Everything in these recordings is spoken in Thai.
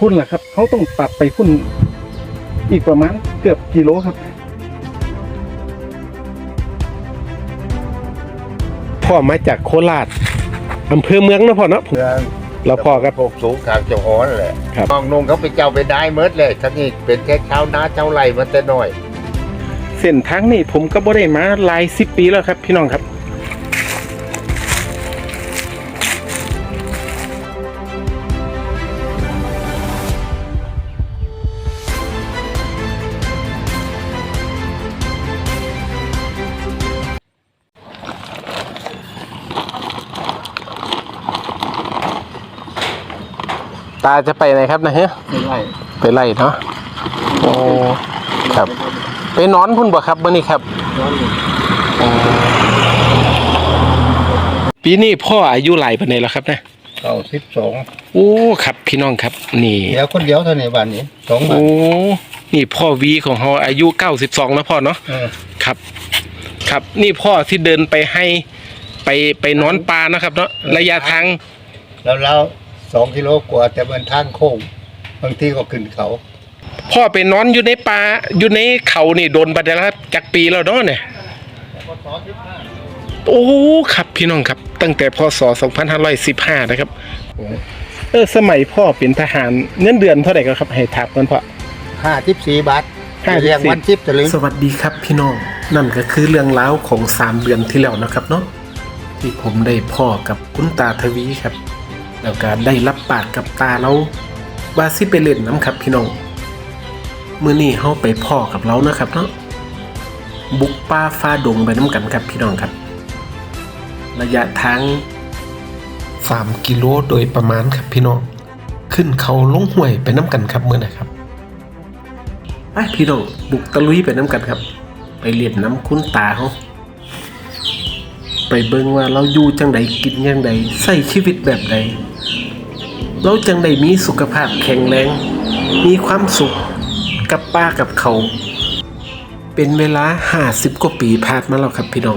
พุ่นแหละครับเขาต้องตัดไปพุ่นอีกประมาณเกือบกิโลครับพ่อมาจากโคราชอำเภอเมืองนะพ่อเนาะเราพ่อครับพวกสูงทางเจ้าฮ้อนแหละน้องนุ่งเขาไปเจ้าไปได้เมิดเลยทั้งนี้เป็นแค่ชาวนาชาวไร่มาแต่น้อยเส้นทางนี่ผมก็บ่ได้มาหลาย10 ปีแล้วครับพี่น้องครับตาจะไปไหนครับนะฮะไปไล่เนาะโอ้ครับไปนอนพุ่นบ่ครับมื้อนี้ครับปีนี้พ่ออายุหลายปานใดแล้วครับนะ 92 โอ้ครับพี่น้องครับนี่เดี๋ยวคนเดียวเท่านี้บ้านนี้2บ้านโอ้นี่พ่อวีของเฮาอายุ92แล้วพ่อเนาะครับครับนี่พ่อที่เดินไปให้ไปนอนปลานะครับเนาะระยะทางแล้ว2 กิโลกว่าแต่มันทางโค้งบางทีก็ขึ้นเขาพ่อไปนอนอยู่ในป่าอยู่ในเขานี่โดนบัดแล้วครับจักปีแล้วเนาะเนี่ยโอ้ครับพี่น้องครับตั้งแต่พศ2515นะครับสมัยพ่อเป็นทหารเงินเดือนเท่าไหร่ครับให้ถามกันพ่อ 54 บาทเรียงวัน10จะลืมสวัสดีครับพี่น้องนั่นก็คือเรื่องราวของ3 เดือนที่แล้วนะครับเนาะที่ผมได้พ่อกับคุณตาทวีครับแล้วก็ได้รับปากกับตาเราว่าสิไปเล่นน้ำครับพี่น้องมื้อนี้เฮาไปพ่อกับเรานะครับเนาะบุกป่าฟ้าดงไปน้ำกันครับพี่น้องครับระยะทาง3 กิโลโดยประมาณครับพี่น้องขึ้นเขาลงห้วยไปน้ำกันครับมื้อนะครับไปพี่น้องบุกตะลุยไปน้ำกันครับไปเล่นน้ำคุณตาเฮาไปเบิ่งว่าเราอยู่จังใดกินจังใดใช้ชีวิตแบบใดเราจังใดมีสุขภาพแข็งแรงมีความสุขกับป่ากับเขาเป็นเวลา50 กว่าปีผ่านมาแล้วครับพี่น้อง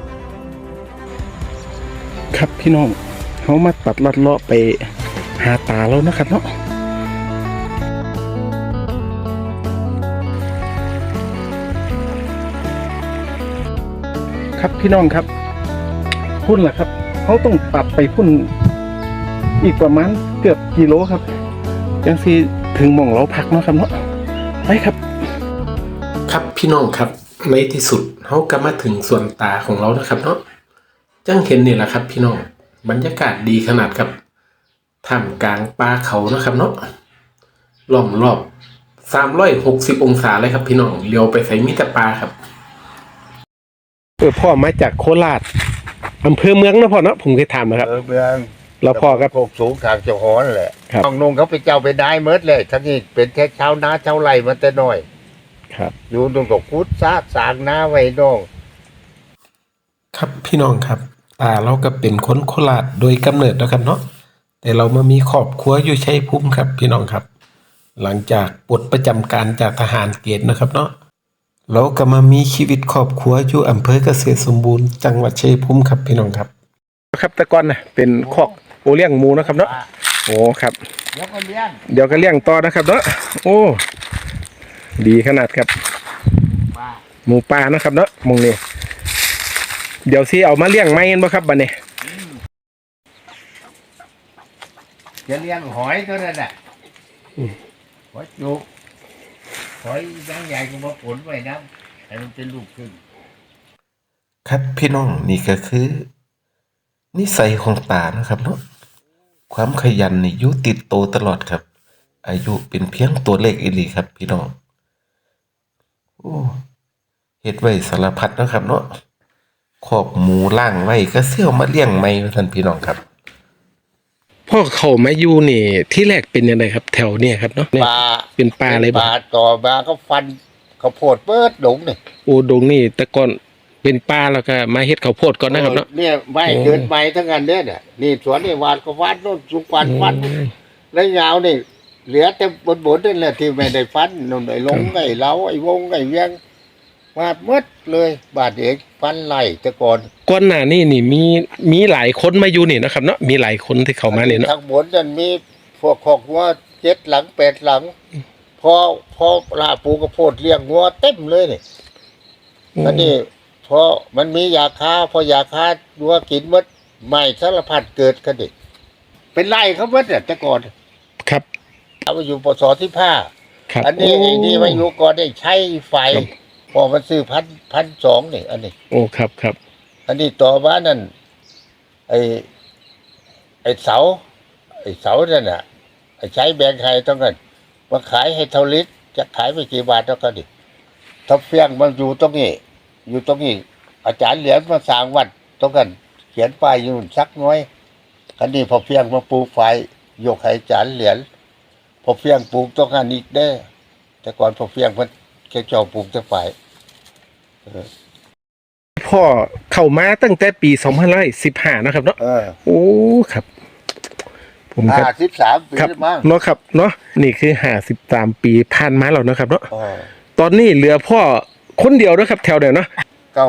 ครับพี่น้องเขามาตัดลัดเลาะไปหาตาแล้วนะครับเนาะครับพี่น้องครับพุ่นแหละครับเขาต้องตัดไปพุ่นอีกประมาณเกือบกิโลครับยังสิถึงหม่องเราพักเนาะครับเนาะไปครับครับพี่น้องครับในที่สุดเขาก็มาถึงส่วนตาของเรานะครับเนาะจังเห็นนี่แหละครับพี่น้องบรรยากาศดีขนาดครับท่ามกลางป่าเขานะครับเนาะล้อมรอบ360 องศาเลยครับพี่น้องเลี้ยวไปใส่มิตรป่าครับพ่อมาจากโคราชอำเภอเมืองนะพ่อเนาะผมเคยถามนะครับเมืองเราพ่อครับพวกสูงทางเจ้าฮ้อนแหละน้องนุ่งเขาไปเจ้าไปได้เมิดเลยทั้งนี้เป็นแค่ชาวนาชาวไร่มาแต่น้อยครับอยู่ตรงกับพุทธสางนาไว้น้องครับพี่น้องครับเราก็เป็นคนโคราชโดยกำเนิดนะครับเนาะแต่เรามามีครอบครัวอยู่ชัยภูมิครับพี่น้องครับหลังจากปลดประจำการจากทหารเกณฑ์นะครับเนาะเราก็มามีชีวิตครอบครัวอยู่อำเภอเกษตรสมบูรณ์จังหวัดชัยภูมิครับพี่น้องครับครับตะกอนนะเป็นคอกโอเลี้ยงหมูนะครับเนาะโอ้ครับเดี๋ยวก็เลี้ยงต่อนะครับเนาะโอ้ดีขนาดครับหมูป่านะครับเนาะมองนี่เดี๋ยวสิเอามาเลี้ยงไหมกันบ่ครับบัดนี้จะเลี้ยงหอยเท่านั้นแหละหอยจุกหอยยังใหญ่ก็มาผลไว้นะให้มันเป็นลูกขึ้นครับพี่น้องนี่ก็คือนิสัยของตานะครับเนาะความขยันนี่อยู่ติดโตตลอดครับอายุเป็นเพียงตัวเลขอีหลีครับพี่น้องโอ้เฮ็ดไว้สารพัดนะครับเนาะคอกหมูล่างไว้ก็เสี่ยวมาเลี้ยงใหม่ท่านพี่น้องครับพ่อเขามาอยู่นี่ที่แรกเป็นยังไงครับแถวเนี่ยครับเนาะปลาเป็นปลาอะไรบ้างปลาต่อมาก็ฟันข้าวโพดเปิดดงนี่โอ้ดงนี่แต่ก่อนเป็นปลาแล้วก็มาเฮ็ดข้าวโพดก่อนนะครับเนาะเนี่ยไม่เกินไปทั้งนั้นเนี่ยนี่สวนนี่หวานก็หวานโน่นสุกฟันแล้วยาวนี่เหลือแต่บนนั่นแหละที่ไม่ได้ฟันนู่นไอ้ลงไอ้เล้าไอ้วงไอ้เวียงมาหมดเลยบาดเอกฟันไหลแต่ก่อนหน้านี่มีหลายคนมาอยู่นี่นะครับเนาะมีหลายคนที่เข้ามาเนี่ยเนาะทางบนนั่นมีพวกคอกวัว 7 หลัง 8 หลัง พอลาปลูกข้าวโพดเลี้ยงงัวเต็มเลยนี่อันนี้พอมันมียาฆ่าพอยาฆ่างัวกินหมดใหม่สารพัดเกิดกันดิเป็นไร่เขาหมดเนี่ยแต่ก่อนครับเอาไปอยู่ปศ15 ครับอันนี้โไอ้นี่มาอยู่ก่อนได้ใช้ไฟพอมันซื้อ1,200นี่อันนี้โอ้ครับครับอันนี้ต่อมานั่นไอ้เสานั่นน่ะไอ้ใช้แบงค์ไทยต้องกันมาขายให้เท่าลิตรจะขายไปกี่บาทเท่ากันดิถ้าเฟียงมันอยู่ตรงนี้ อยู่ตรงนี้ อาจารย์เหรียญมาสร้างวัดตรงกัน เขียนป้ายอยู่สักน้อยคันนี้พอเฟียงมาปลูกไฟยกให้อาจารย์เหรียญพอเฟียงปลูกต้องกันอีกได้แต่ก่อนพอเฟียงมันแค่เจ้าปลูกแต่ไฟพ่อเข้ามาตั้งแต่ปี2515นะครับเนาะโอ้ครับ ผมครับ 53 ปีครับมั้งเนาะครับเนาะนี่คือ53 ปีผ่านมาแล้วนะครับเนาะตอนนี้เหลือพ่อคนเดียวนะครับ แถวเดียวเนาะ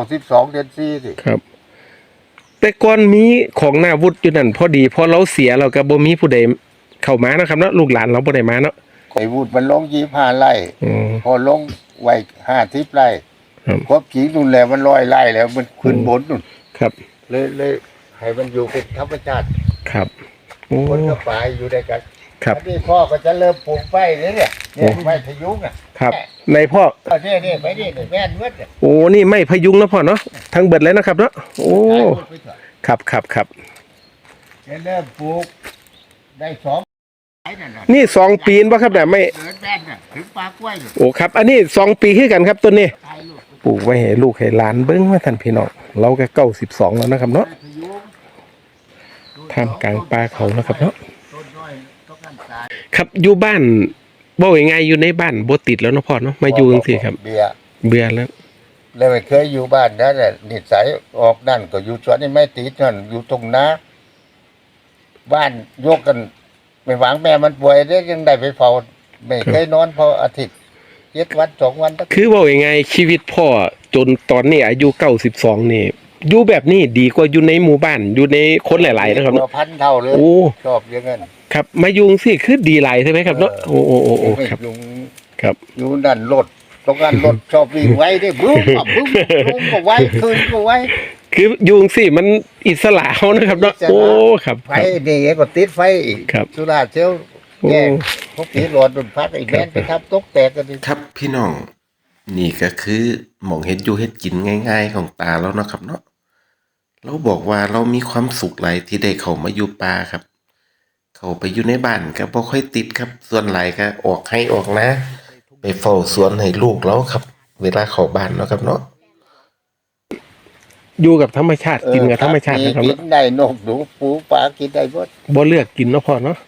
92 เดือน4สิครับ แต่ก่อนมีของหน้าวุฒิอยู่นั่นพอดีพอเราเสียเราก็บ่มีผู้ใดเข้ามานะครับเนาะลูกหลานเราบ่ได้มาเนาะไอ้วุฒิมันลง25 ไร่อืมพอลงไว้50 ไร่ครับครบขีดนู่นแหละมัน100 ไร่แล้วมันขึ้นบนนู่นครับเลยให้มันอยู่เป็นธรรมชาติครับโอ้คนกับป่าอยู่ด้วยกันครับอันนี้พ่อก็จะเริ่มปลูกไฟเนี่ยไฟพยุงอ่ะครับในพ่อเนี่ยไปนี่แม่นเวดเนี่ยโอ้นี่ไม่พยุงนะพ่อเนาะทั้งเบิดเลยนะครับเนาะโอ้ครับครับครับจะเริ่มปลูกได้นี่2 ปีนป่ะครับเนี่ยไม่เดินแม่นน่ะถึงปลากล้วยเนี่ยโอ้ครับ อันนี้2 ปีคือกันครับต้นนี้ตายลูกปลูกไว้ให้ลูกให้หลานเบิ้งว่าท่านพี่น้องเราก็92แล้วนะครับเนาะพยุงท่ามกลางป่าเขานะครับเนาะต้นน้อยต้องการตายครับอยู่บ้านบ่ยังไงอยู่ในบ้านบ่ติดแล้วเนาะพ่อเนาะมาอยู่จังซี่ครับเบียร์เบื่อแล้วเลยไม่เคยอยู่บ้านนั่นแหละนิสัยออกนั่นก็อยู่สวนนี่ไม่ติดนั่นอยู่ตรงนาบ้านยกกันไม่หวังแม่มันป่วยได้ยังได้ไปเฝ้าไม่เคยนอนพออาทิตย์7 วัน2 วันคือบ่ยังไงชีวิตพ่อจนตอนนี้อายุ92นี่อยู่แบบนี้ดีกว่าอยู่ในหมู่บ้านอยู่ในคนหลายๆนะครับตัวเนาะพันเท่าเลยโอ้ชอบอย่างนั้นครับมาอยู่จังซี่คือดีหลายใช่ไหมครับเนาะโอ้โอ้โอ้โอ้ครับยุงครับอยู่นั่นรถตรงนั้นรถชอบวิ่งไว้ได้บึ้มอ่ะบึ้มลงก็ไว้คืนก็ไว้คืออยู่จังซี่มันอิสระเฮานะครับเนาะโอ้ครับไฟนี่ก็ติดไฟอีกครับสุราเซลลโอ้แยกพวกผีหลอดโดนพัดไอ้แม่นไปทับตกแตกกันดิครับพี่น้องนี่ก็คือหมองเฮ็ดอยู่เฮ็ดกินง่ายๆของตาแล้วเนาะครับเนาะเราบอกว่าเรามีความสุขหลายที่ได้เข้ามาอยู่ป่าครับ เข้าไปอยู่ในบ้านก็บ่ค่อยติดครับ ส่วนหลายก็ออกให้ออกนะ ไปเฝ้าสวนให้ลูกเราครับ เวลาเข้าบ้านเนาะครับเนาะอยู่กับธรรมชาติกินกับธรรมชาตินะครับกิเนาะนได้นกหนูปูปลากินได้หมดบ่เลือกกินเนาะพ่อเนาะ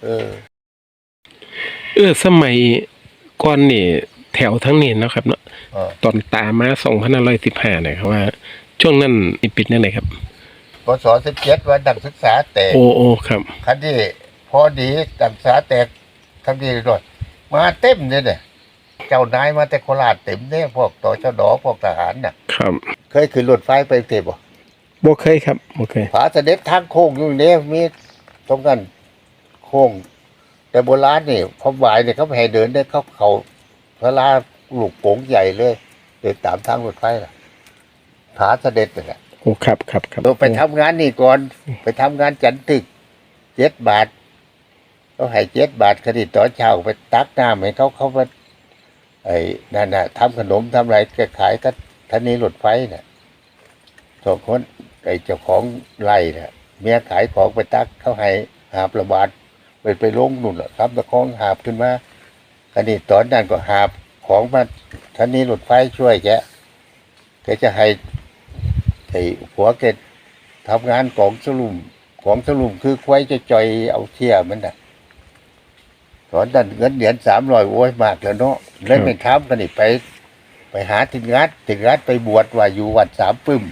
สมัยก่อนนี่แถวทั้งนี้เนาะครับเนาะเออตอนตามา2515เนี่ยครับว่า ช่วงนั้นนี่ปิดนั่นไหนครับพศ17วันนักศึกษาแตกโอ้โอ้ครับคันที่พอดีนักศึกษาแตกคันที่รถมาเต็มเลยเนี่ยเจ้านายมาแต่โคราชเต็มเนี่ยพวกตชดพวกทหารน่ะครับเคยขึ้นรถไฟไปเทพบ่บ่เคยครับบ่เคยผาเสด็จทางโค้งอยู่เนี่ยมีตรงกันโค้งแต่โบราณนี่พอบ่ายเนี่ยเขาไม่ให้เดินได้เขาพระลาลูกโป่งใหญ่เลยเดินตามทางรถไฟน่ะผาเสด็จน่ะโอ้ครับครับครับเราไปทำงานนี่ก่อน ไปทำงานจันทึก7 บาทเขาให้7 บาทคดีตอนเช้าไปตักน้ำให้เขาไปไอ้นั่นน่ะทำขนมทำอะไรก็ขายก็ทันีรถไฟน่ะสองคนไอ้เจ้าของไร่น่ะเมียขายของไปตักเขาให้หาบระบาดไปลงนู่นแหละครับตะคองหาบขึ้นมาคดีตอนนั้นก็หาบของมาทันีรถไฟช่วยแกจะให้ไอ้ผัวแกทำงานของสลุมคือควายจะจอยเอาเที่ยมันน่ะตอนนั้นเงินเหรียญ300โอ้ยมากแล้วเนาะเลยไม่ทำกันนี่ไปหาถึงงัดไปบวชว่าอยู่วัดสามปึ้ม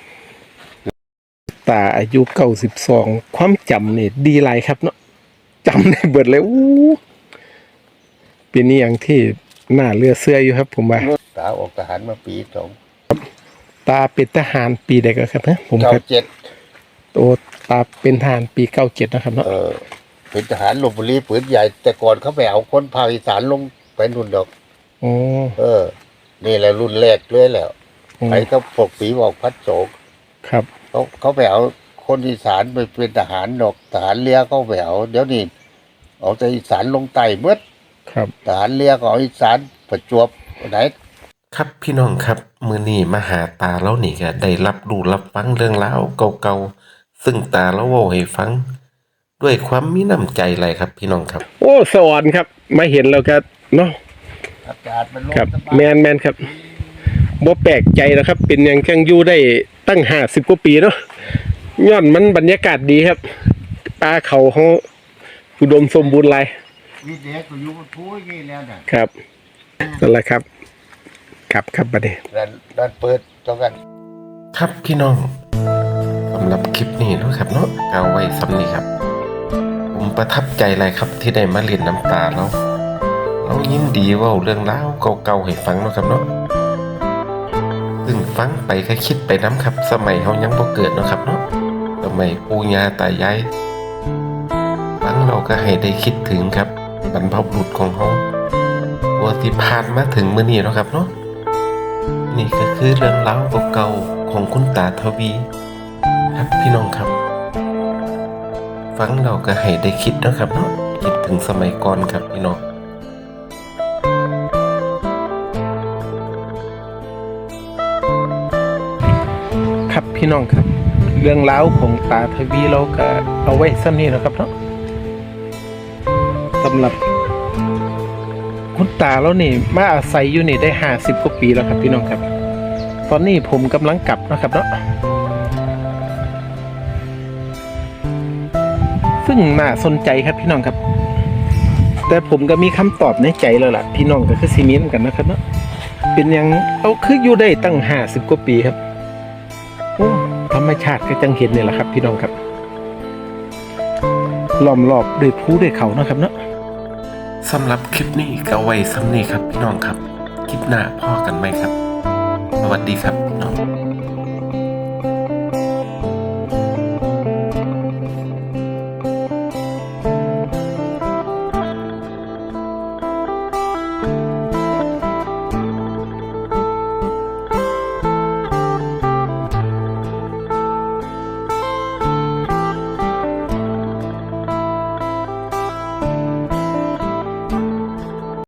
ตาอายุ92ความจำนี่ดีหลายครับเนาะจำได้เบิดเลยอู้เป็นนี่อย่างที่น่าเลือเสื้ออยู่ครับ ผมว่าตาออกทหารมาปีตาเป็นทหารปีใดก็ครับนะผมครับ 297 โตตาเป็นทหารปี97นะครับเนาะเป็นทหารลพบุรีปืนใหญ่ แต่ก่อนเขาไปเอาคนภาคอีสานลงไปนู่นดอกโอ้นี่แหละรุ่นแรกเลยแหล้วไปก็พวกปีบอกพัดโศกครับเขาไปเอาคนอีสานไปเป็นทหารดอกทหารเรือเขาไปเอาเดี๋ยวนี้เอาแต่อีสานลงใต้เมื่อครับทหารเรือก็เอาอีสานประจวบไหนครับพี่น้องครับมื้อนี้มาหาตาแล้วนี่ก็ได้รับรู้รับฟังเรื่องราวเก่าๆซึ่งตาแล้วเว้าให้ฟัง ด้วยความมีน้ำใจหลายครับพี่น้องครับโอ้สวรรค์ครับมาเห็นแล้วก็เนาะอากาศมันลงครับสบายแมนครับบ่แปลกใจแล้วครับ เป็นอย่างจังอยู่ได้ตั้ง50 กว่าปีเนาะย้อนมันบรรยากาศดีครับป่าเขาเขาอุดมสมบูรณ์หลายนี่เด็กก็อยู่บนภูอย่างนี้แล้วน่ะครับนั่นแหละครับครับบัดนี้ด้านเปิดตรงกันครับพี่น้องสำหรับคลิปนี้เนาะครับเนาะเอาไว้ซ้ำนี้ครับ ผมประทับใจหลายครับที่ได้มาเรียนน้ำตาแล้วเรายินดีเว่าเรื่องราวเก่าๆให้ฟังเนาะครับเนาะซึ่งฟังไปก็คิดไปน้ำครับ สมัยเขายังบ่เกิดเนาะครับเนาะสมัยปู่ย่าตายายฟังเราก็ให้ได้คิดถึงครับบรรพบุรุษของเขาว่าที่ผ่านมาถึงมื้อนี้เนาะครับเนาะนี่ก็คือเรื่องราวเก่าๆของคุณตาทวี ครับพี่น้องครับ ฟังเราก็ให้ได้คิดนะครับเนาะคิดถึงสมัยก่อนครับพี่น้องครับพี่น้องครับ เรื่องราวของตาทวีเราก็เอาไว้ซ้ำนี้นะครับเนาะสำหรับคุณตาเรานี่มาอาศัยอยู่นี่ได้50 กว่าปีแล้วครับพี่น้องครับ ตอนนี้ผมกำลังกลับนะครับเนาะซึ่งน่าสนใจครับพี่น้องครับ แต่ผมก็มีคำตอบในใจแล้วล่ะพี่น้องก็คือซีเมนต์กันนะครับเนาะเป็นอย่างเอาคืออยู่ได้ตั้ง50 กว่าปีครับโอ้ธรรมชาติก็จังเห็นนี่แหละครับพี่น้องครับล้อมรอบด้วยภูด้วยเขานะครับเนาะสำหรับคลิปนี้ก็ไว้ซ้ำนี้ครับพี่น้องครับ คลิปหน้าพ่อกันไหมครับ สวัสดีครับ